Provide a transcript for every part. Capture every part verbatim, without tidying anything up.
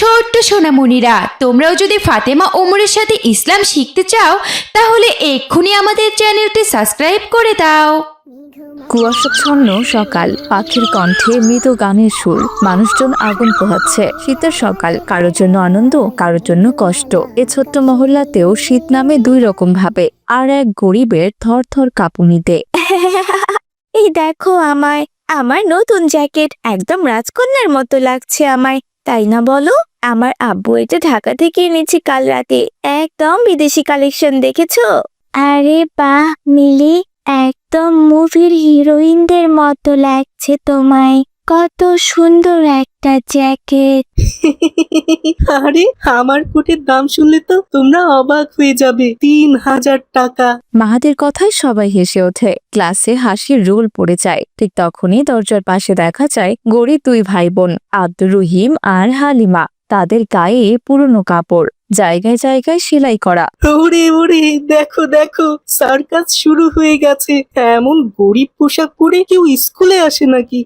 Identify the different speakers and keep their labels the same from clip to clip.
Speaker 1: ছোট্ট সোনামণিরা, তোমরাও যদি ফাতেমা ওমরের সাথে ইসলাম শিখতে চাও তাহলে এক্ষুনি আমাদের চ্যানেলটি সাবস্ক্রাইব করে দাও।
Speaker 2: কুয়াশাচ্ছন্ন সকাল, পাখির কণ্ঠে মৃদু গানের সুর, মানুষজন আগুন পোহাচ্ছে। শীতের সকাল, কারোর জন্য আনন্দ, কারোর জন্য কষ্ট। এ ছোট্ট মহল্লাতেও শীত নামে দুই রকম ভাবে, আর এক গরিবের থর থর কাঁপুনিতে। এই দেখো আমায়, আমার নতুন জ্যাকেট, একদম রাজকন্যার মতো লাগছে আমায়, তাই না বলো? আমার আব্বু এটা ঢাকা থেকে এনেছি কাল রাতে, একদম বিদেশি কালেকশন, দেখেছো? আরে বাহ মিলি, একদম মুভির হিরোইনদের মতো লাগছে তোমায়, কত সুন্দর একটা জ্যাকেট।
Speaker 3: আরে আমার কোটের দাম শুনলে তো তোমরা অবাক হয়ে যাবে, তিন হাজার টাকা।
Speaker 2: মাহাদের কথায় সবাই হেসে ওঠে, ক্লাসে হাসির রোল পড়ে যায়। ঠিক তখনই দরজার পাশে দেখা যায় গরিব দুই ভাই বোন, আব্দুর রহিম আর হালিমা। তাদের গায়ে পুরনো কাপড়, জায়গায় জায়গায় সেলাই করা।
Speaker 3: ওরে ওরে, দেখো দেখো, সার্কাস শুরু হয়ে গেছে। এমন গরিব পোশাক পরে কেউ স্কুলে আসে নাকি?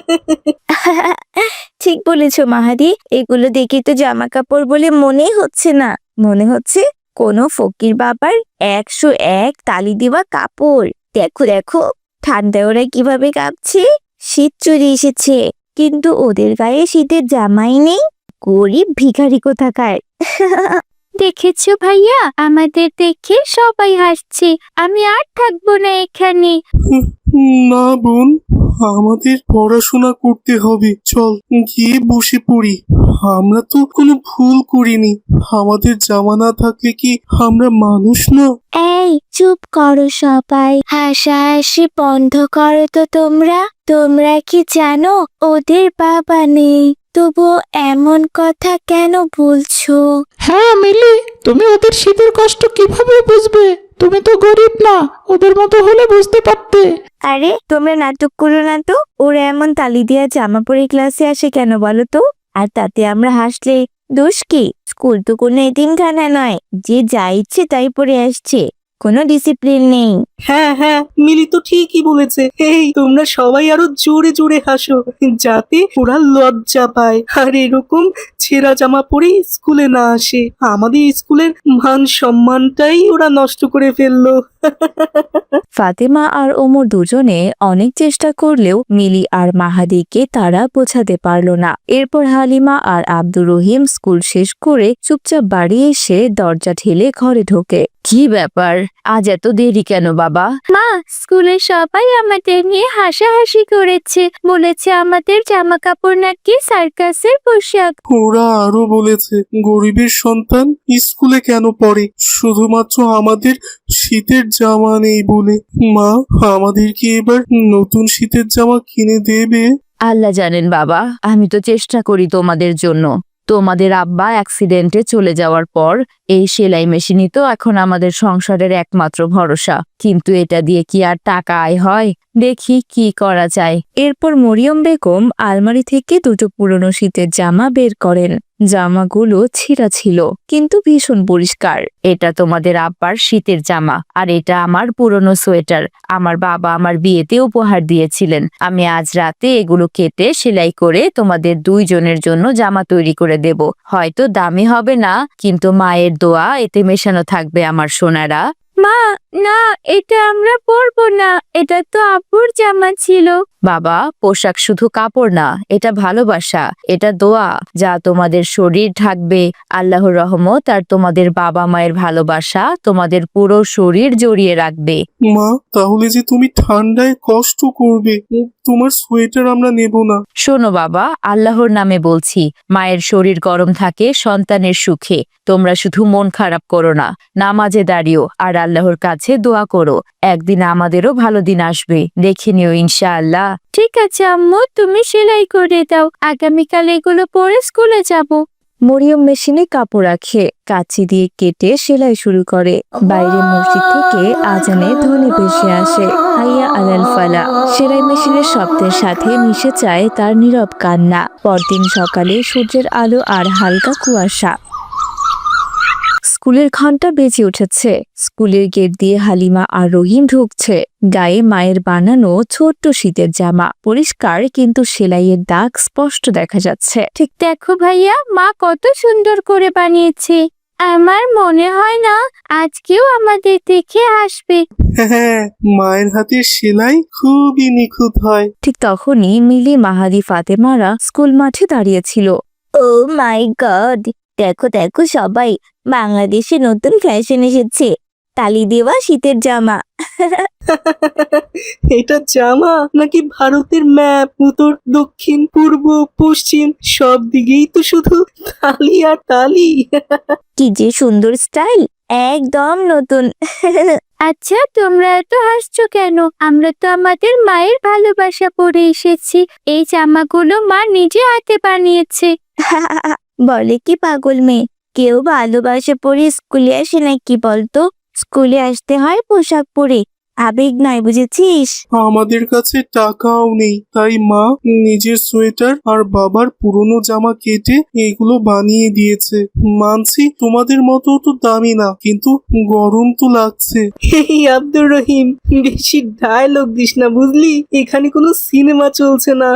Speaker 2: ঠিক বলেছো মাহাদি, এগুলো দেখে তো জামা কাপড় বলে মনেই হচ্ছে না, মনে হচ্ছে কোনো ফকির বাবার একশো এক তালি দেওয়া কাপড়। দেখো দেখো, ঠান্ডায় ওরা কিভাবে কাঁপছে। শীত চলে এসেছে, কিন্তু ওদের গায়ে শীতের জামাই নেই। গরিব ভিখারি কোথাকার। দেখেছো ভাইয়া, আমাদের দেখে সবাই হাসছে, আমি আর থাকবো না এখানে।
Speaker 4: না বোন, আমাদের পড়াশোনা করতে হবে, চল গিয়ে বসে পড়ি। আমরা তো কোনো ভুল করিনি, আমাদের জামা না থাকলে কি আমরা মানুষ না?
Speaker 2: এই চুপ করো সবাই, হাসাহাসি বন্ধ করো তো তোমরা। তোমরা কি জানো ওদের বাবা নেই, তবুও এমন কথা কেন বলছো?
Speaker 5: হ্যাঁ মিলি, তুমি ওদের শীতের কষ্ট কিভাবে বুঝবে? তুমি তো গরিব না, ওদের মতো হলে বুঝতে পারতে।
Speaker 2: আরে তোমরা নাটক করো না তো, ওরা এমন তালি দিয়া জামা পরে ক্লাসে আসে কেন বলো তো? আর তাতে আমরা হাসলে দোষ কি? স্কুল তো কোনো এতিমখানা নয় যে যা ইচ্ছে তাই পরে আসছে, কোনো ডিসিপ্লিন নেই।
Speaker 3: হ্যাঁ হ্যাঁ, মিলি তো ঠিকই বলেছে। এই তোমরা সবাই আরো জোরে জোরে হাসো, যাতে ওরা লজ্জা পায় আর এরকম ছেঁড়া জামা পরে স্কুলে না আসে। আমাদের স্কুলের মান সম্মানটাই ওরা নষ্ট করে ফেললো।
Speaker 2: ফাতেমা আর ওমর দুজনে অনেক চেষ্টা করলেও মিলি আর মাহাদিকে তারা বোঝাতে পারল না। এরপর হালিমা আর আব্দুর রহিম স্কুল শেষ করে চুপচাপ বাড়ি এসে দরজা ঠেলে ঘরে ঢোকে। কি ব্যাপার, আজ এত দেরি কেন বাবা? মা, স্কুলে সবাই আমাদের নিয়ে হাসাহাসি করেছে, বলেছে আমাদের জামা কাপড় নাকি সার্কাসের পোশাক।
Speaker 4: ওরা আরো বলেছে গরিবের সন্তান স্কুলে কেন পড়ে, শুধুমাত্র আমাদের শীতের জামা নেই বলে। মা, আমাদের কি এবার নতুন শীতের জামা কিনে দেবে?
Speaker 2: আল্লাহ জানেন বাবা, আমি তো চেষ্টা করি তোমাদের জন্য। তোমাদের আব্বা অ্যাক্সিডেন্টে চলে যাওয়ার পর এই সেলাই মেশিনই তো এখন আমাদের সংসারের একমাত্র ভরসা, কিন্তু এটা দিয়ে কি আর টাকা আয় হয়? দেখি কি করা যায়। এরপর মরিয়ম বেগম আলমারি থেকে দুটো পুরনো শীতের জামা বের করেন। জামাগুলো ছিঁড়া ছিল, কিন্তু ভীষণ পরিষ্কার। এটা তোমাদের আব্বার শীতের জামা, আর এটা আমার পুরনো সোয়েটার। আমার বাবা আমার বিয়েতে উপহার দিয়েছিলেন। আমি আজ রাতে এগুলো কেটে সেলাই করে তোমাদের দুইজনের জন্য জামা তৈরি করে দেব। হয়তো দামি হবে না, কিন্তু মায়ের দোয়া এতে মেশানো থাকবে আমার সোনারা। মা, না, এটা আমরা পরবো না, এটা তো আব্বুর জামা ছিল। বাবা, পোশাক শুধু কাপড় না, এটা ভালোবাসা, এটা দোয়া, যা তোমাদের শরীর ঢাকবে। আল্লাহর রহমত আর তোমাদের বাবা মায়ের ভালোবাসা তোমাদের পুরো শরীর জড়িয়ে রাখবে।
Speaker 4: মা, তাহলে যে তুমি ঠান্ডায় কষ্ট করবে, তোমার সোয়েটার আমরা নেব না।
Speaker 2: শোনো বাবা, আল্লাহর নামে বলছি, মায়ের শরীর গরম থাকে সন্তানের সুখে। তোমরা শুধু মন খারাপ করো না, নামাজে দাঁড়িও আর আল্লাহর কাছে দোয়া করো। একদিন আমাদেরও ভালো দিন আসবে, দেখে নিও ইনশাআল্লাহ। ঠিক আছে আম্মু, তুমি সেলাই করে দাও, আগামীকাল এগুলো পরে স্কুলে যাব। মরিয়ম মেশিনে কাপড় রাখে, কাঁচি দিয়ে কেটে সেলাই শুরু করে। বাইরে মসজিদ থেকে আজানের ধ্বনি ভেসে আসে, হাইয়া আলাল ফালা। সেলাই মেশিনের শব্দের সাথে মিশে যায় তার নীরব কান্না। পরদিন সকালে সূর্যের আলো আর হালকা কুয়াশা। স্কুলের ঘন্টা বেজে উঠেছে। স্কুলের গেট দিয়ে হালিমা আর রহিম ঢুকছে। গায়ে মায়ের বানানো ছোট্ট শীতের জামা, পরিষ্কার কিন্তু সেলাইয়ের দাগ স্পষ্ট দেখা যাচ্ছে। ঠিক দেখো ভাইয়া, মা কত সুন্দর করে বানিয়েছে। আমার মনে হয় না আজকেও আমাদের দেখে আসবে।
Speaker 4: হ্যাঁ, মায়ের হাতের সেলাই খুবই নিখুঁত হয়।
Speaker 2: ঠিক তখনই মিলি, মাহাদি, ফাতেমারা স্কুল মাঠে দাঁড়িয়েছিল। ও মাই গড, দেখো দেখো সবাই, বাংলাদেশে নতুন ফ্যাশন এসেছে, তালি দেওয়া শীতের জামা।
Speaker 3: এটা জামা নাকি ভারতের ম্যাপ? উত্তর, দক্ষিণ, পূর্ব, পশ্চিম সব দিকেই তো শুধু তালি আর তালি।
Speaker 2: কি যে সুন্দর স্টাইল, একদম নতুন। আচ্ছা, তোমরা এত হাসছো কেন? আমরা তো আমাদের মায়ের ভালোবাসা পড়ে এসেছি। এই জামাগুলো মা নিজে হাতে বানিয়েছে। বলে কি পাগল মেয়ে, কেউ ভালোবাসা পড়ে স্কুলে আসে নাকি বলতো? স্কুলে আসতে হয় পোশাক পরে, আবেগ নয়, বুঝেছিস?
Speaker 4: আমাদের কাছে টাকাও নেই, তাই মা নিজের সোয়েটার আর বাবার পুরনো জামা কেটে এগুলো বানিয়ে দিয়েছে। মানছি তোমাদের মতো তো দামি না, কিন্তু গরম তো লাগছে।
Speaker 3: এই আব্দুর রহিম, বেশি ডায়লগ দিস না বুঝলি, এখানে কোনো সিনেমা চলছে না।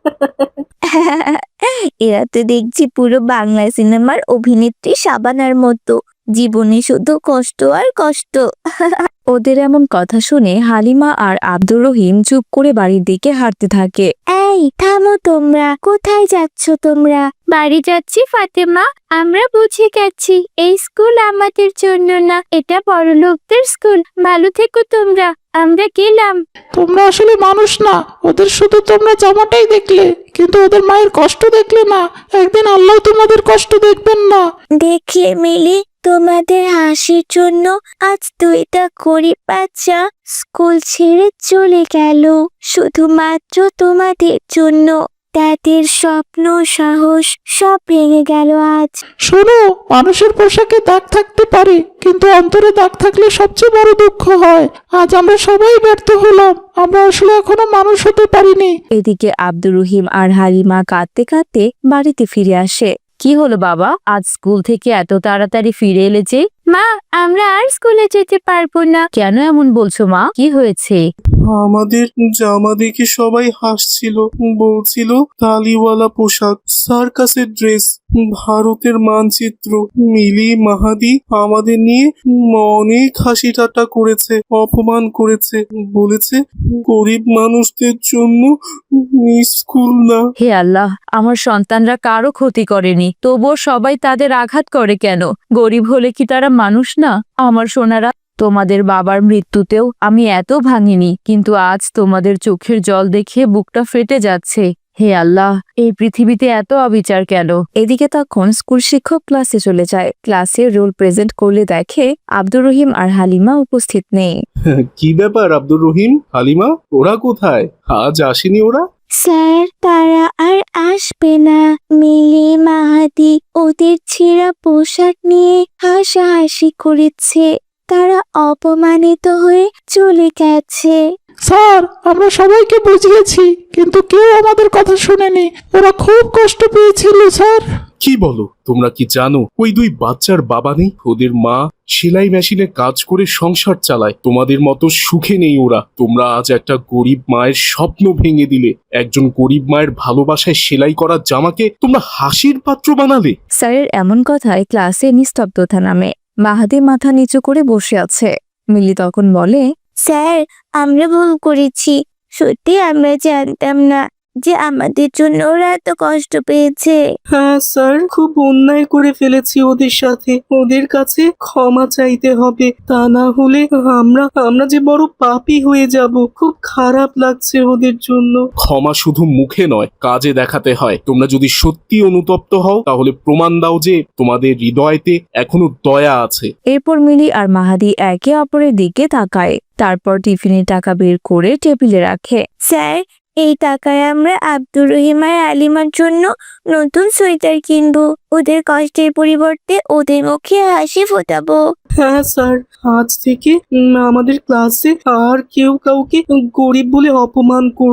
Speaker 2: এরা তো দেখছি পুরো বাংলা সিনেমার অভিনেত্রী শাবানার মতো, জীবনে শুধু কষ্ট আর কষ্ট। ওদের এমন কথা শুনে হালিমা আর আব্দুর রহিম চুপ করে বাড়ির দিকে হাঁটতে থাকে। এই থামো তোমরা, কোথায় যাচ্ছ তোমরা? বাড়ি যাচ্ছি ফাতেমা, আমরা বুঝে গেছি এই স্কুল আমাদের জন্য না, এটা বড়লোকদের স্কুল। ভালো থেকো তোমরা, আমরা গেলাম।
Speaker 5: তোমরা আসলে মানুষ না, ওদের শুধু তোমরা জামাটাই দেখলে, কিন্তু ওদের মায়ের কষ্ট দেখলে না। একদিন আল্লাহ তোমাদের কষ্ট দেখবেন না।
Speaker 2: দেখলে মিলি, তোমাদের হাসির জন্য আজ দুইটা গরিব বাচ্চা স্কুল ছেড়ে চলে গেল, শুধুমাত্র তোমাদের জন্য। তাদের স্বপ্ন, সাহস সব ভেঙে গেল আজ।
Speaker 5: শোনো, মানুষের পোশাকে দাগ থাকতে পারে, কিন্তু অন্তরে দাগ থাকলে সবচেয়ে বড় দুঃখ হয়। আজ আমরা সবাই ব্যর্থ হলাম, আমরা আসলে এখনো মানুষ হতে পারিনি।
Speaker 2: এদিকে আব্দুর রহিম আর হালিমা কাঁদতে কাঁদতে বাড়িতে ফিরে আসে। কি হলো বাবা, আজ স্কুল থেকে এত তাড়াতাড়ি ফিরে এলে যে? মা, আমরা আর স্কুলে যেতে পারবো না। কেন এমন বলছো মা, কি হয়েছে?
Speaker 4: আমাদের জামা দেখে সবাই হাসছিল, বলছিল তালিওয়ালা পোশাক, সার্কাসের ড্রেস, ভারতের মানচিত্র। মিলি, মাহাদি আমাদের নিয়ে অনেক হাসি ঠাট্টা করেছে, অপমান করেছে, বলেছে গরিব মানুষদের জন্য স্কুল না।
Speaker 2: হে আল্লাহ, আমার সন্তানরা কারো ক্ষতি করেনি, তবুও সবাই তাদের আঘাত করে কেন? গরিব হলে কি তারা মানুষ না? আমার সোনারা, তোমাদের বাবার মৃত্যুতেও আমি এত ভাঙিনি, কিন্তু আজ তোমাদের চোখের জল দেখে বুকটা ফেটে যাচ্ছে। হে আল্লাহ, এই পৃথিবীতে এত অবিচার কেন? এদিকে তখন স্কুল শিক্ষক ক্লাসে চলে যায়। ক্লাসে রোল প্রেজেন্ট করলে দেখে আব্দুর রহিম আর হালিমা উপস্থিত নেই।
Speaker 4: কি ব্যাপার আব্দুর রহিম, হালিমা, ওরা কোথায়? আজ আসেনি ওরা?
Speaker 2: স্যার, তারা আর আসবে না। মিলি, মাহাদি ওদের ছেঁড়া পোশাক নিয়ে হাসাহাসি করেছে, তারা অপমানিত হয়ে চলে গেছে।
Speaker 5: স্যার, আমরা সবাইকে বুঝিয়েছি, কিন্তু কেউ আমাদের কথা শুনেনি। ওরা খুব কষ্ট পেয়েছিল স্যার।
Speaker 4: কি বলো, তোমরা কি জানো ওই দুই বাচ্চার বাবা নেই? ওদের মা সেলাই মেশিনে কাজ করে সংসার চালায়। তোমাদের মতো সুখে নেই ওরা। তোমরা আজ একটা গরিব মায়ের স্বপ্ন ভেঙে দিলে। একজন গরিব মায়ের ভালোবাসায় সেলাই করা জামাকে তোমরা হাসির পাত্র বানালে।
Speaker 2: স্যারের এমন কথায় ক্লাসে নিস্তব্ধতা নামে। মাহাদি মাথা নিচু করে বসে আছে। মিলি তখন বলে, স্যার, আমরা ভুল করেছি, সত্যি আমরা জানতাম না যে আমাদের জন্য ওরা এত কষ্ট পেয়েছে।
Speaker 3: হ্যাঁ স্যার, খুব অন্যায় করে ফেলেছি ওদের সাথে। ওদের কাছে ক্ষমা চাইতে হবে, তা না হলে আমরা আমরা যে বড় পাপী হয়ে যাব। খুব খারাপ লাগছে ওদের জন্য।
Speaker 4: ক্ষমা শুধু মুখে নয়, কাজে দেখাতে হয়। তোমরা যদি সত্যি অনুতপ্ত হও, তাহলে প্রমাণ দাও যে তোমাদের হৃদয়তে এখনো দয়া আছে।
Speaker 2: এরপর মিলি আর মাহাদি একে অপরের দিকে তাকায়, তারপর টিফিনের টাকা বের করে টেবিলে রাখে। স্যার, এই টাকায় আমরা আব্দুর রহিম আর আলিমার জন্য নতুন সোয়েটার কিনবো। ওদের কষ্টের পরিবর্তে ওদের মুখে হাসি ফোটাবো।
Speaker 3: হ্যাঁ স্যার, আজ থেকে উম, আমাদের ক্লাসে আর কেউ কাউকে গরিব বলে অপমান করবে না।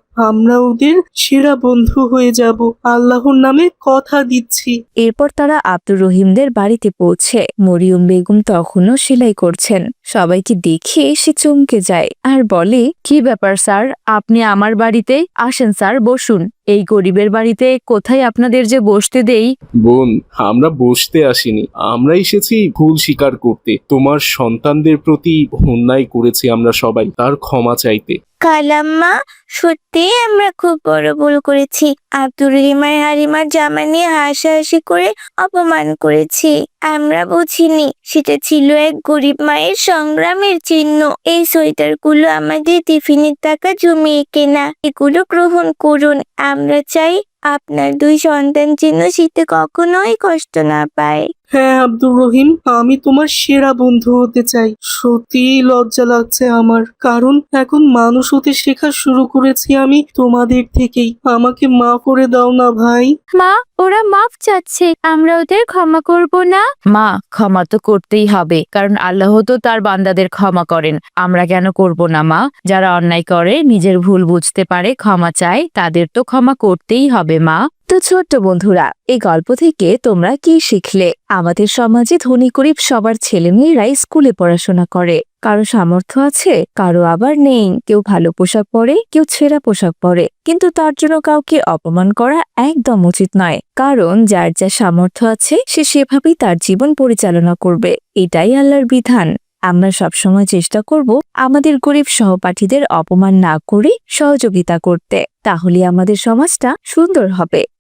Speaker 3: আমরা ওদের সেরা বন্ধু হয়ে যাব, আল্লাহর নামে কথা দিচ্ছি।
Speaker 2: এরপর তারা আব্দুর রহিমদের বাড়িতে পৌঁছে মরিয়ম বেগম তখনও সেলাই করছেন। সবাইকে দেখে সে চমকে যায় আর বলে, কি ব্যাপার স্যার, আপনি আমার বাড়িতে? আসেন স্যার, বসুন। এই গরিবের বাড়িতে কোথায় আপনাদের যে বসতে দেই।
Speaker 4: বোন, আমরা বসতে আসিনি, আমরা এসেছি ভুল স্বীকার করতে। তোমার সন্তানদের প্রতি অন্যায় করেছি আমরা সবাই, তার ক্ষমা চাইতে।
Speaker 6: কালাম্মা, সত্যি আমরা খুব বড় ভুল করেছি। আব্দুর রহিমার হালিমার জামা নিয়ে হাসাহাসি করে অপমান করেছি। আমরা বুঝিনি সেটা ছিল এক গরিব মায়ের সংগ্রামের চিহ্ন। এই সোয়েটারগুলো আমাদের টিফিনের টাকা জমিয়ে কেনা, এগুলো গ্রহণ করুন। আমরা চাই আপনার দুই সন্তান যেন শীতে কখনোই কষ্ট না পায়।
Speaker 3: হ্যাঁ আব্দুর রহিম, আমি তোমার সেরা বন্ধু হতে চাই। সত্যিই লজ্জা লাগছে আমার, কারণ এখন মানুষ হতে শেখা শুরু করেছি আমি তোমাদের থেকেই। আমাকে মাফ করে দাও না ভাই।
Speaker 6: মা, ওরা মাফ চাচ্ছে, আমরা ওদের ক্ষমা করব না?
Speaker 2: মা, ক্ষমা তো করতেই হবে, কারণ আল্লাহ তো তার বান্দাদের ক্ষমা করেন। আমরা কেন করব না মা? যারা অন্যায় করে, নিজের ভুল বুঝতে পারে, ক্ষমা চায়, তাদের তো ক্ষমা করতেই হবে মা। তো ছোট্ট বন্ধুরা, এই গল্প থেকে তোমরা কি শিখলে? আমাদের সমাজে ধনী গরিব সবার ছেলে মেয়েরাই স্কুলে পড়াশোনা করে। কারো সামর্থ্য আছে, কারো আবার নেই। কেউ ভালো পোশাক পরে, কেউ ছেঁড়া পোশাক পরে, কিন্তু তার জন্য কাউকে অপমান করা একদম উচিত নয়। কারণ যার যা সামর্থ্য আছে সে সেভাবেই তার জীবন পরিচালনা করবে, এটাই আল্লাহর বিধান। আমরা সবসময় চেষ্টা করব আমাদের গরিব সহপাঠীদের অপমান না করে সহযোগিতা করতে, তাহলে আমাদের সমাজটা সুন্দর হবে।